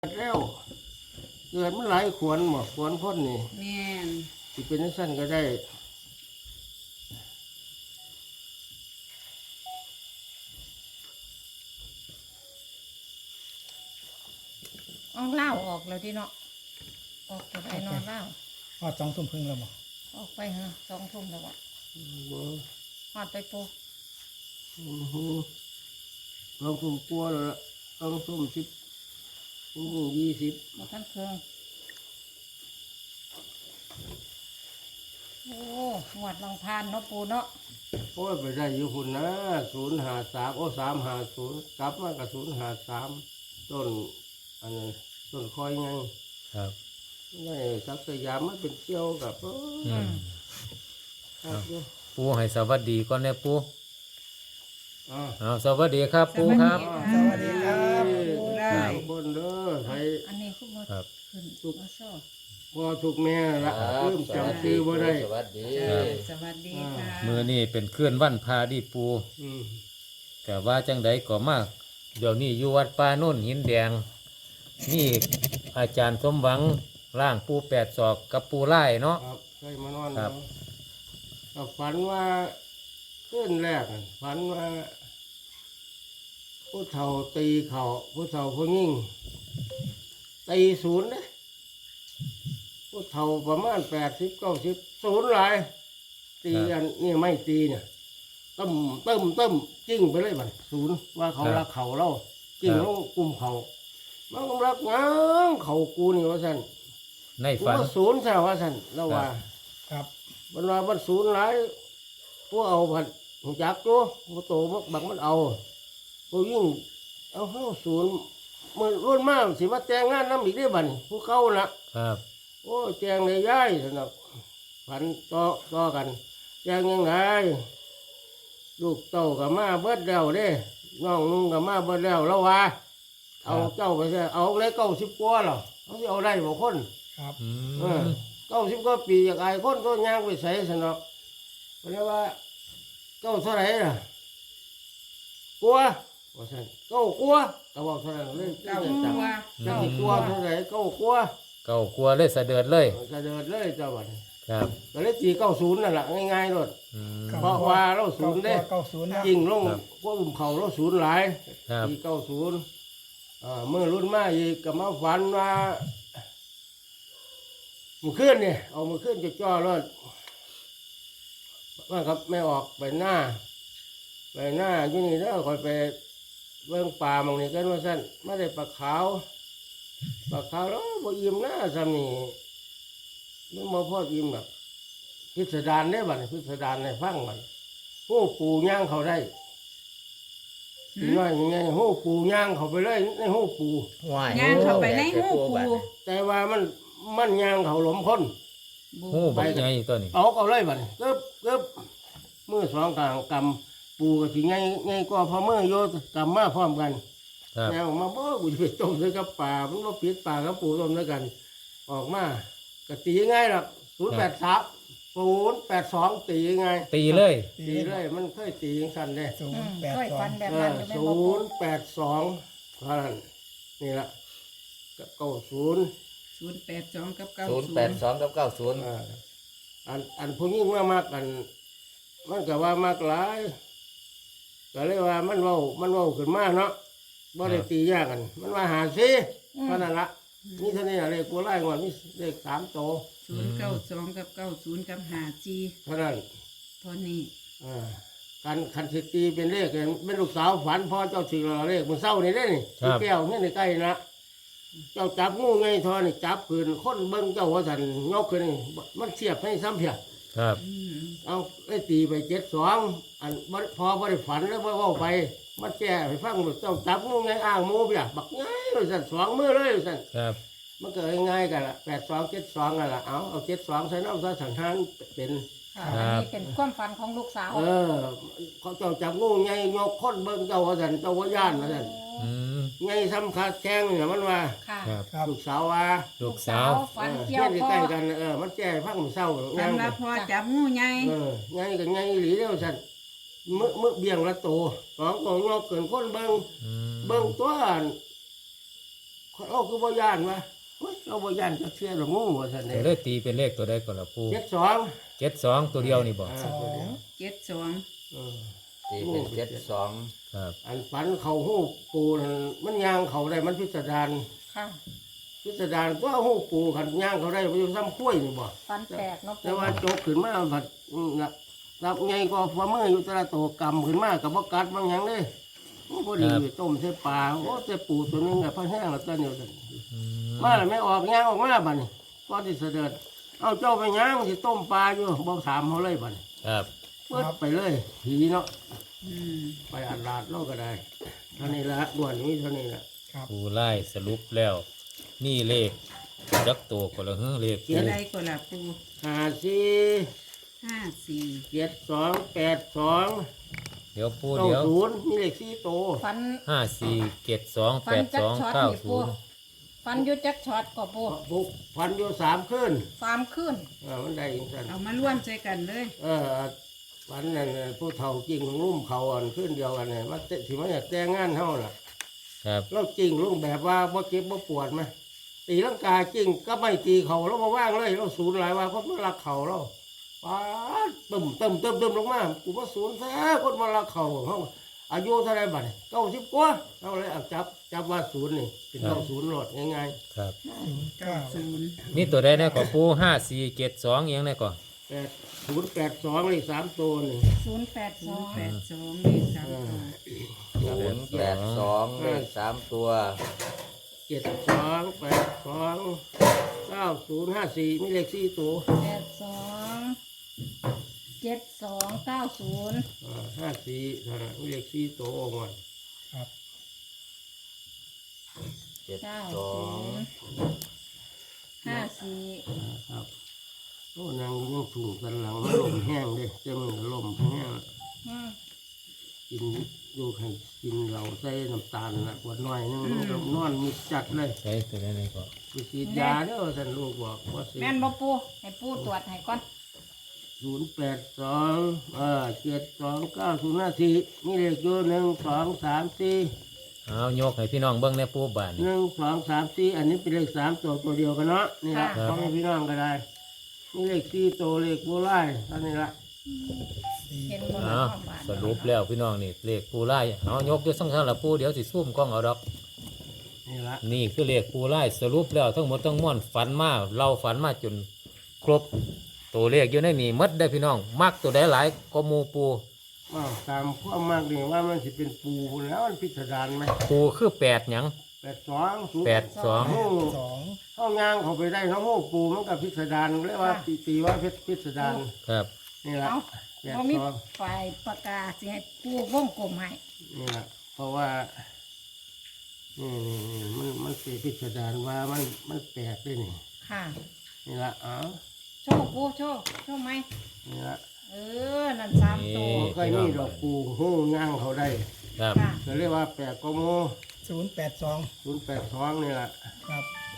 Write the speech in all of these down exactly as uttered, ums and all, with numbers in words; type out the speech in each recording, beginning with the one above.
แล้วเกิดมันหลายขวนหมดขวนพ่นนี่แม่นที่เป็นสั้นก็ได้ออกเล่าออกแล้วที่เนาะออกจากไอ้นอนเล่าฮอดสองทุ่มครึ่งแล้วบ่ออกไปฮะสองทุ่มแล้ววะฮอดไปปูลองทุ่มกลัวแล้วละลองทุ่มสิบยี่สิบมาท่านเครื่องโอ้หวดลองพานเนาะปูเนาะโอ้ยไปได้อยู่คุณนะศูนย์หาสามโอ้สามหาศูนย์กลับมากับศูนย์หาสามต้นอันนี้ต้นคอยไงครับนี่สักสยามมันเป็นเกี่ยวกับอืมปูให้สวัสดีก่อนเนี่ยปูอ้าวสวัสดีครับปูครับสวัสดีครับปูได้คนเด้อใครอันนี้คุณมาขึ้นทุกพอถูกแม่ละเริ่มจำชื่อว่าได้สวัสดีสวัสดีค่ะมือนี่เป็นเคลื่อนวันพาดีปูแต่ว่าจังใดก็มากเดี๋ยวนี้อยู่วัดป่าโน่นหินแดงนี่อาจารย์สมหวังร่างปูแปดศอกกับปูไล่เนาะครับเคยมานอนครับฝันว่าขึ้นแรกฝันว่าผู้เฒ่าตีเขาผู้เฒ่าผู้ยิ่งตีศูนย์นะผู้เฒ่าประมาณแปดสิบเก้าสิบศูนย์หลายตีอันนี่ไม่ตีเนี่ยต้มเติมเติมจิ้งไปเลยบัดศูนย์ว่าเขารักเขาเราจิ้งลงกลุ่มเขามันก็รักง้างเขากูนี่ว่าสันในฝันศูนย์ใช่ว่าสันเราว่าครับบรรดาบรรศูนย์หลายพวกเอาผัดหัวจักตัวพวกโตมักบังมันเอาพวกยิ่งเอาเข้าศูนย์มันรุ่นมากสิมาแต่งงานน้ำอีกได้บัดผู้เข้าละครับโอ้แจงเลยย้ายสนับผันต่อต่อกันแจงยังไงลูกเต่ากับมาเบิดเดาเด้น้องนุ่งกับมาเบิดเดาแล้วว่าเอาเจ้าไปใช่เอาเลยเก้าสิบกว่าหรอเขาจะเอาได้บ่คนครับเก้าสิบกว่าปีอยากไอ้คนก็ย่างไปใส่สนับเพราะว่าเก้าเท่าไหร่ล่ะกลัวว่าใช่เก้ากลัวก็บอกเท่านั้นเลยเก้ากลัวเก้ากลัวเท่าไหร่เก้ากลัวเก้ากลัวเลยสะเดือดเลยสะเดือดเลยเจ้าบัดครับก็เลยตีเก้าศูนย์นั่นแหละง่ายๆเลยเพราะว่าเราศูนย์ได้จริงลงพวกอุ่มเขาเราศูนย์หลายตีเก้าศูนย์เมื่อรุ่นมาอีกก็มาฝันว่ามือขึ้นเนี่ยเอามือขึ้นจะจ่อรถว่าครับไม่ออกไปหน้าไปหน้าอยู่นี่แล้วคอยไปเบื้องป่ามองนี่กันว่าสั้นไม่ได้ปลาขาวปลาขาวแล้วบ่อิ่มหน้าซ้ำนี่นี่มาพ่ออิ่มแบบพิสดารได้บัดพิสดารในฟังบัดหูปูย่างเขาได้น้อยยังไงหูปูย่างเขาไปเลยในหูปูย่างเขาไปในหูปูแต่ว่ามันมันย่างเขาหลมคนหูไปไงตัวนี้เอาเอาเลยบัดเกิบเกิบมือสองกลางกำปูกับสิไงไงก็พอมือโยกำมาพร้อมกันแนวมาบ่กูจะไปต้มด้วยกับป่ามันก็ปิดป่ากับปูต้มด้วยกันออกมากะตีง่ายหรอกศูนย์แปดสามศูนย์แปดสองตีง่ายตีเลยตีเลยมันเคยตีอย่างสั้นเลยศูนย์แปดสองศูนย์แปดสองเท่านั้นนี่ละกับเก้าศูนย์ศูนย์แปดสองกับเก้าศูนย์แปดสองกับเก้าศูนย์อันอันพวกนี้ว่ามากกันมันก็ว่ามากหลายก็เลยว่ามันเว้ามันเว้าขึ้นมาเนาะบ่ได้ตียากกันมันว่าหาซิเท่านั้นละนี่เท่านี้อะไรกูไล่ก่อนนี่เลขสามโตศูนย์เก้าสองกับเก้าศูนย์กับหาจีเท่านั้นเท่านี้อ่าการคันสิตีเป็นเลขเป็นลูกสาวฝันพ่อเจ้าสิเราเลขมันเศร้านี่ได้นี่แก้วนี่ในใกล้นะเจ้าจับงูไงทอนี่จับขืนคนเบิ้งเจ้าหัวสันยกขึ้นมันเสียบให้ซ้ำเพียครับเอาไอ้ตีไปเจ็ดสองอันพอพอได้ฝันแล้วว่าว่าไปมันแก่ไปฟังเจ้าจับงูไงอ้างมูเบียบักง่ายเลยสันสองมือเลยสันครับมันเกิดง่ายกันละแปดสองเจ็ดสองกันละเอาเอาเจ็ดสองใส่น้ำใส่สังหารเป็นอันนี้เป็นความฝันของลูกสาวเออเขาเจ้าจับงูไงยกคนเบิ้งเจ้าหัวสันเจ้าหัวย่านนะสันไงซ้ำขาดแข้งเนี่ยมันว่าลูกสาวว่าลูกสาวฝันเกี่ยวพ่อใกล้กันเออมันแก่พังเศร้าสำหรับพ่อจับงูไงเออไงกับไงหลีเดียวสันมือมือเบี่ยงละโตสองตัวงอกเกินคนเบิ้งเบิ้งตัวคเราคือบ่ย่านวะเฮ้ยเราบ่ย่านจะเชื่อหรืองูว่าซั่นเดี๋เด้ยวเลยตีเป็นเลขตัวใดก่อนละปูเจ็ดสองเจ็ดสองตัวเดียวนี่บอกอ่าสอตัวเดีงยวเจ็ดสองเออตีเป็นเจ็ดสองครับอันฝันเขาหูปูนั่นมันย่างเขาได้มันพิสดารค่ะพิสดารตัวหูปูขันย่างเขาได้ไปอยู่ซ้ำคุ้ยนี่บ่ฟันแตกเนาะแต่ปูว่าโจกขึ้นมาผัดนับนับไงก็ฝ่ามืออยู่แตละตัวกำขึ้นมากับบ่กัดบางอย่างเด้โอ้พอดีต้มใส่ปลาโอ้แต่ปูตัวนึงอะพะแห้งแล้วตัวเดียวกันอืมมาแล้วไม่ออกย่างออกมาบัดนี้ก็ที่เสด็จเอาเจ้าไปย่างสิต้มปลาอยู่บ่ถามเขาเลยบัดนี้ครับเปิดไปเลยผีเนาะอืมไปอัดลาดเราก็ได้เท่านี้ละด่วนนี้เท่านี้ละครับปูไล่สรุปแล้ว นี่เลขจักตัวก็ละเฮ้อเลขปูอะไรก็ล่ะปูห้าสี่ห้าสี่เจ็ดสองแปดสองเดี๋ยวปูเก้าเดี๋ยวศูนย์มีเลขสี่โตวฟันห้าสี่เจ็ดสองฟัแปนดจัสกองช็อตเก้านี่ศูปูนย์ฟันอยุจักช็อตก็ปูบุกพันอยู่สามขึ้นฟาร์มขึ้นอ่ามันได้อีกสันเอามาร่วมใจกันเลยเออพันนั่นน่ะผู้เฒ่าจริงของลุ่มเขาอ่อนขึ้นเดียวกันเนี่ยว่าเตะที่มันอยากแต่งงานเท่าน่ะครับเราจริงลุงแบบว่าบ่เจ็บบ่ปวดไหมตีลังกาจริงก็ไม่ตีเขาเรามาว่างเลยเราศูนย์หลายว่าคนมารักเขาเราป้าดตึมตึมตึมตึมลงมากูว่าศูนย์แท้คนมารักเขาเขาอายุเท่าไรบัดเก้าสิบกว่าเราเลยเอาจับจับว่าศูนย์นี่เป็นเก้าศูนย์โหลดง่ายครับเก้าศูนย์มีตัวใดแน่ก่อนปูห้าสี่เจ็ดสองยังแน่ก่อนๆแปดศูนย์แปดสองเลยสามตัวนี่ศูนย์แปดสองแปดสองเลขสามตัวศูนย์แปดสองเลขสามตัวเจ็ดสองแปดสองเก้าศูนย์ห้าสี่มีเลขสี่ตัวแปดสองเจ็ดสองเก้าศูนย์อ่าห้าสี่เท่านั้นมีเลขสี่ตัวออกมาครับเจ็ดเก้าสอศูงนย์ห้าสี่ครับโอ้นางยังถูกกันหลังลมแห้งเลยเต็มอลมแห้งอืมกินดูให้กินเราใส่น้ำตาลนะขวดน้อยนึงมันก็นอนมีจัดเลยใช้ตัวใดแน่ก่อนไปฉีดยาเด้อท่านลูกบอกว่าสิแม่นบ่ปูให้ปูตรวจให้ก่อนศูนย์แปดสองเออเจ็ดสองเก้าศูนย์ห้าสี่มีเลขอยู่หนึ่งสองสามสี่เอายกให้พี่น้องเบิ้งในปูบานนี่หนึ่งสองสามสี่อันนี้เป็นเลขสามตัวตัวเดียวกันเนาะนี่ละพ่อแม่พี่น้องก็ได้มีเลขสี่ตัวเลขโบราณเท่านี้ละสี่เห็นบ่เอาล่ะความบานสรุปแล้วพี่น้องนี่เลขปูไล่เอายกด้วยสังขารละปูเดี๋ยวสิซุ่มกล้องเอาดอกนี่ละนี่คือเลขปูไล่สรุปแล้วทั้งหมดทั้งมวลฝันมาเราฝันมาจนครบตัวเลขอยู่ในนี่หมดได้อพี่น้อง มักตัวใดหลายก็หมูปูอ้าวตามความมากนี่ว่ามันสิเป็นปูแล้วมันพิสดารไหมปูคือแปดหยังแปดสองศูนย์แปดสองห้องสองห้องงางเขาไปได้ทั้งห้องปูมันกับพิสดารเรียกว่าตีตีว่าเพชรพิสดารครับนี่ละเอาแปดบ่มีสองฝ่ายปากกาสิให้ปูวงกลมให้นี่ละเพราะว่านี่นี่นี่มันมันสีพิสดารว่ามันมันแปลกด้วยนี่ค่ะนี่ละอ๋อโชว์ปูโชว์โชว์ไหมนี่ละเออ นั่นสามตัวบ่เคยมีดอกปูห้องงางเขาได้ครับค่ะก็เรียกว่าแปลกก็โมศูนย์แปดสองศูนย์แปดสองนี่ละครับ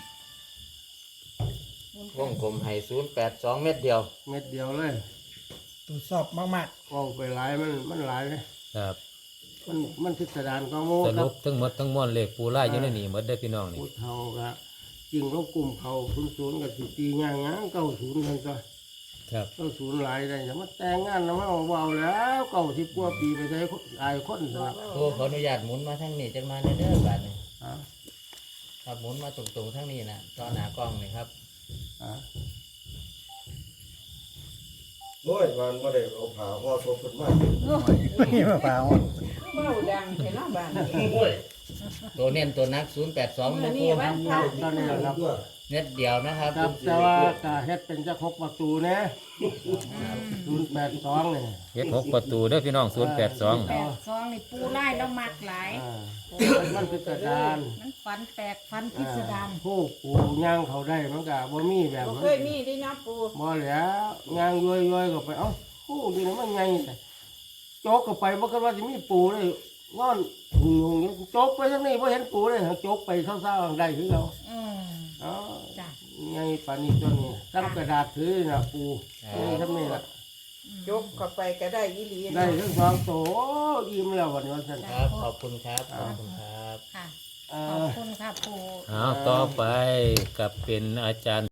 วงกลมให้ศูนย์แปดสองเม็ดเดียวเม็ดเดียวเลยตรวจสอบมากเอาไปหลายมันมันหลายเลยครับมันมันพิสดารก็โมสครัรุบปทั้งหมดทั้งมวลเลขปูไล่อยู่ในนี่หมดได้อพี่น้องนี่พูดเท่ากับจริงเขากลุ่มเขาศูนย์ศูนย์กับสิตีง่ายงเก้าศูนย์กันก็ครับเก้าศูนย์หลายได้แต่มาแต่งงานแล้วมาเอาเบาแล้วเก้าสิบกว่าปีไปใช้อายคนสนับครูขออนุญาตหมุนมาทางนี้จังมาเด้อเด้อบาดนี้อ่ะครับหมุนมาตรงๆทางนี้นะตอนหน้ากล้องนี่ครับอ่ะโอ้ยมันไม่ได้เอาผ่าห่อศพขึ้นมาๆนี่มาเปล่าเบ้าดังเห็นหน้าบ้านตัวเน้นตัวนักศูนย์แปดสองนะครูตอนนี้แหละครับเม็ดเดียวนะครับครับแต่ว่าก็เฮ็ดเป็นเจะคกประตูนะศูนย์แปดสองเนี่ยเฮ็ดหกประตูเด้อพี่น้องศูนย์แปดสองแปดสองนี่ปูไล่แล้วมักหลายอ่ามันพิสดารมันฟันแตกฟันพิสดารผู้ปูย่างเขาได้มันก็บ่มีแบบนั้นเคยมีได้นะปูบ่แล้วย่างย้อยๆก็ไปเอ้าผู้นี่นะมันไงโจกก็ไปบ่คิดว่าสิมีปูเลยนอนหุงๆอย่างโจกไปทางนี้บ่เห็นปูเลยโจกไปเศร้าๆได้คือเราอืมอ๋อจ้ะไงปานนี้ตัวนี้ตั้งกระดาษถือนะปูนี่ทำนี่ละยกเข้าไปก็ได้อีหลีได้ทั้งสองโตอิ่มแล้ววันนี้วันนั้นครับ ขอบคุณครับ ขอบคุณครับค่ะอ่าขอบคุณค่ะปูเอาต่อไปกับเป็นอาจารย์